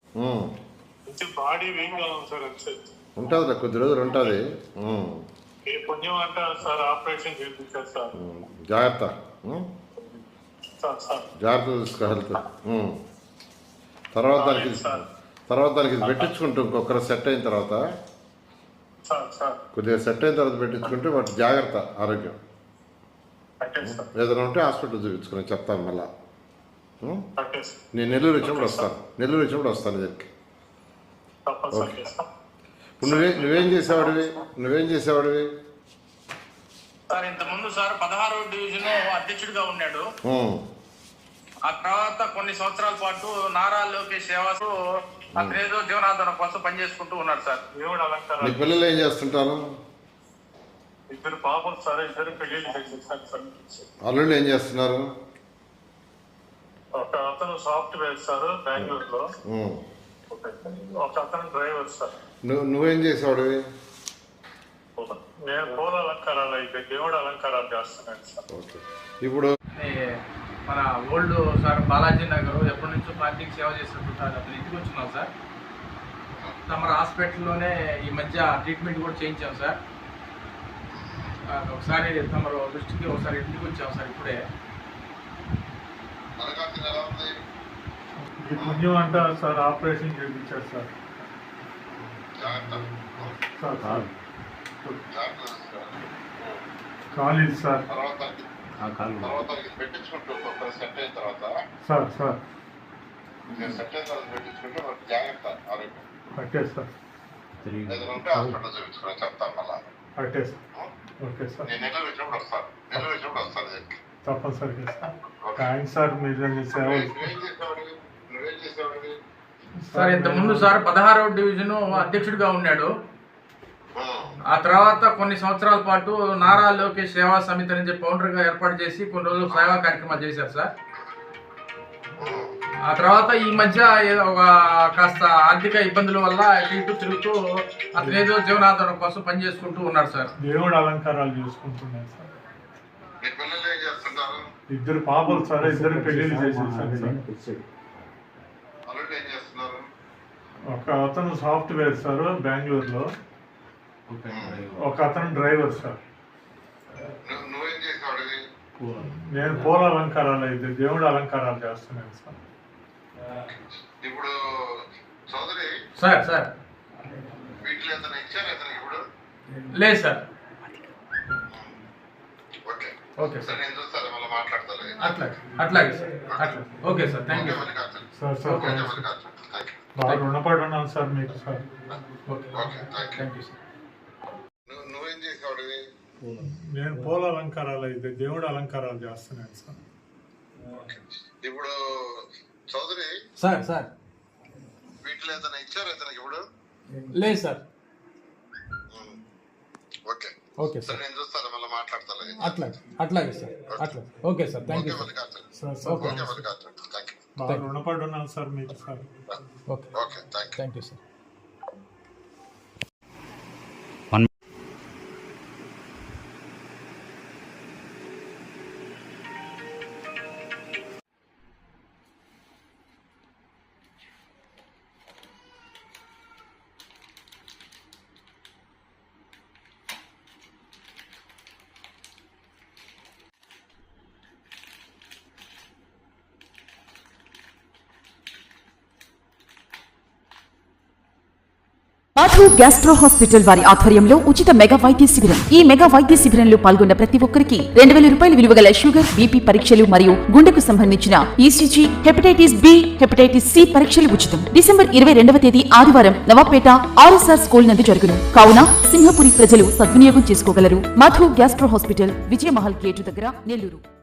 Body weak గా ఉంది sir. ఉంటుంది, కొద్ది రోజులు ఉంటుంది. పుణ్యం అంటారు సార్, ఆపరేషన్ చేయించారు సార్. జాగ్రత్త, జాగ్రత్త చూసుకో హెల్త్. తర్వాత దానికి ఇది పెట్టించుకుంటూ ఇంకొకరు సెట్ అయిన తర్వాత, కొద్దిగా సెట్ అయిన తర్వాత పెట్టించుకుంటే వాటి జాగ్రత్త ఆరోగ్యం. ఏదైనా ఉంటే హాస్పిటల్ చూపించుకుని చెప్తాను మళ్ళా. నేను నెల్లూరు వచ్చినప్పుడు వస్తాను దగ్గరికి. ఇప్పుడు నువ్వేం చేసేవాడివి? సార్ ఇంతకుముందు సార్ 16వ డివిజన్ అధ్యక్షుడిగా ఉన్నాడు. ఆ తర్వాత కొన్ని సంవత్సరాల పాటు నారా లోకేష్ సేవకు అతనేదో జీవనాధారం కోసం పనిచేసుకుంటూ ఉన్నాడు సార్. దేవుడు అలంకారం. నీ పిల్లలు ఏం చేస్తుంటారు? 2 పాపలు సార్, 2 పెళ్లిళ్ళు చేసేసారు. అల్లుళ్ళు ఏం చేస్తున్నారు? ఒక అతను సాఫ్ట్వేర్ సార్ బెంగళూరులో, ఒక అతను డ్రైవర్ సార్. నువ్వేం చేసేవాడివి? నేను పూల అలంకారాలు అయితే దేవుడు అలంకారాలు చేస్తున్నాను సార్. ఓకే. ఇప్పుడు మన ఓల్డ్ సార్ బాలాజీ నగర్ ఎప్పటి నుంచో పార్టీకి సేవ చేస్తుంటారు. అతను ఇంటికి వచ్చినాం సార్. తమ హాస్పిటల్లోనే ఈ మధ్య ట్రీట్మెంట్ కూడా చేయించాం సార్. ఒకసారి తమ దృష్టికి ఒకసారి ఇంటికి వచ్చాం సార్. ఇప్పుడే పుణ్యం అంటారు సార్, ఆపరేషన్ చేయించారు సార్. కాలేదు సార్. పెట్టించుకుంటూ సెట్ అయిన తర్వాత జాగ్రత్త ఆరోగ్యం. Okay sir. ఏదైనా ఉంటే హాస్పిటల్ చూపించుకుని చెప్తాను మళ్ళా. Okay sir. నేను నెల్లూరు వచ్చినప్పుడు వస్తాను దగ్గరికి. తప్పనిసరిగా సార్. థ్యాంక్స్ సార్, మీరు సేవ. నువ్వేం చేసేవాడివి? సార్ ఇంతకుముందు సార్ 16వ డివిజన్ అధ్యక్షుడిగా ఉన్నాడు. ఆ తర్వాత కొన్ని సంవత్సరాల పాటు నారా లోకేష్ సేవా సమితి అని చెప్పి ఫౌండర్గా ఏర్పాటు చేసి కొన్ని రోజులు సేవా కార్యక్రమాలు చేశారు సార్. ఆ తర్వాత ఈ మధ్య ఒక కాస్త ఆర్థిక ఇబ్బందుల వల్ల ఇటు తిరుగుతూ అతనేదో జీవనాధారం కోసం పనిచేసుకుంటూ ఉన్నాడు సార్. దేవుడు అలంకారాలు చేసుకుంటున్నాడు సార్. 2 పాపలు సార్, 2 పెళ్లిళ్ళు చేసేసారు సార్. ఒక అతను సాఫ్ట్వేర్ సార్ బెంగళూరులో, ఒక అతను డ్రైవర్ సార్. నేను పూల అలంకారాలు అయితే దేవుడు అలంకారాలు చేస్తున్నాను సార్. ఇప్పుడు చౌదరి సార్ వీటిలో ఏదైనా ఇచ్చారా ఇప్పుడు? లేదు సార్. ఓకే సార్, నేను చూస్తాను, మళ్ళీ మాట్లాడతాను. అట్లాగే sir. Okay sir, thank you sir. బాగా రుణపడి ఉన్నాను సార్ మీకు సార్. Thank you sir. నువ్వేం చేసేవాడివి? నేను పూల అలంకారాలు అయితే దేవుడు అలంకారాలు చేస్తున్నాను సార్. ఇప్పుడు చౌదరి సార్ వీటిలో ఏదైనా ఇచ్చారా ఇప్పుడు? లేదు సార్. ఓకే సార్, నేను చూస్తాను, మళ్ళీ మాట్లాడతాను. అట్లాగే sir. Okay sir, thank you బాగా రుణపడి ఉన్నాను సార్ మీకు sir. Okay, thank you sir. Madhu gastro hospital వారి ఆధ్వర్యంలో ఉచిత మెగా వైద్య శిబిరం. ఈ మెగా వైద్య శిబిరంలో పాల్గొన్న ప్రతి ఒక్కరికి 2000 రూపాయల విలువ గల షుగర్, బీపీ పరీక్షలు మరియు గుండెకు సంబంధించిన ECG, hepatitis B, hepatitis C పరీక్షలు ఉచితం. డిసెంబర్ 22వ తేదీ ఆదివారం నవాపేట ఆర్ఎస్ఆర్ స్కూల్ నందు జరుగును. కావున సింహపురి ప్రజలు సద్వినియోగం చేసుకోగలరు. Madhu gastro hospital, Vijayamahal gate దగ్గర, నెల్లూరు.